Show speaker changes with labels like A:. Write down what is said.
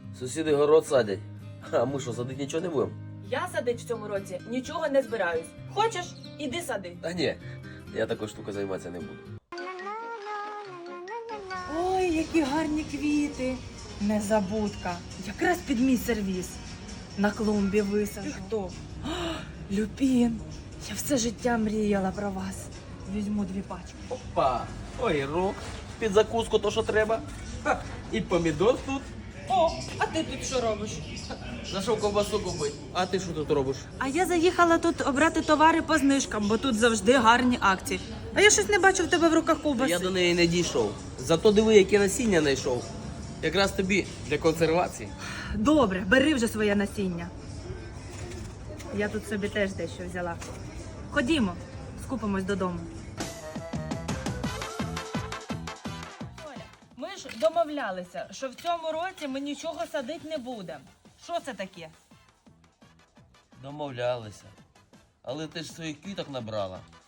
A: Сусіди город садять. А ми що, садити нічого не будемо?
B: Я садить в цьому році нічого не збираюсь. Хочеш? Іди сади.
A: Та ні, я такою штукою займатися не буду.
B: Ой, які гарні квіти. Незабудка. Якраз під мій сервіс. На клумбі висаджу. Ти хто? Люпін. Я все життя мріяла про вас. Візьму 2 пачки.
A: Опа! Огірок. Під закуску то, що треба. Ха, і помідор тут.
B: О, а ти тут що робиш?
A: Зайшов ковбасу купити. А ти що тут робиш?
B: А я заїхала тут обрати товари по знижкам, бо тут завжди гарні акції. А я щось не бачу в тебе в руках ковбаси.
A: Я до неї не дійшов. Зато диви, яке насіння знайшов. Якраз тобі для консервації.
B: Добре, бери вже своє насіння. Я тут собі теж дещо взяла. Ходімо, скупимось додому. Оля, ми ж домовлялися, що в цьому році ми нічого садити не будемо. Що це таке?
A: Домовлялися. Але ти ж своїх квіток набрала.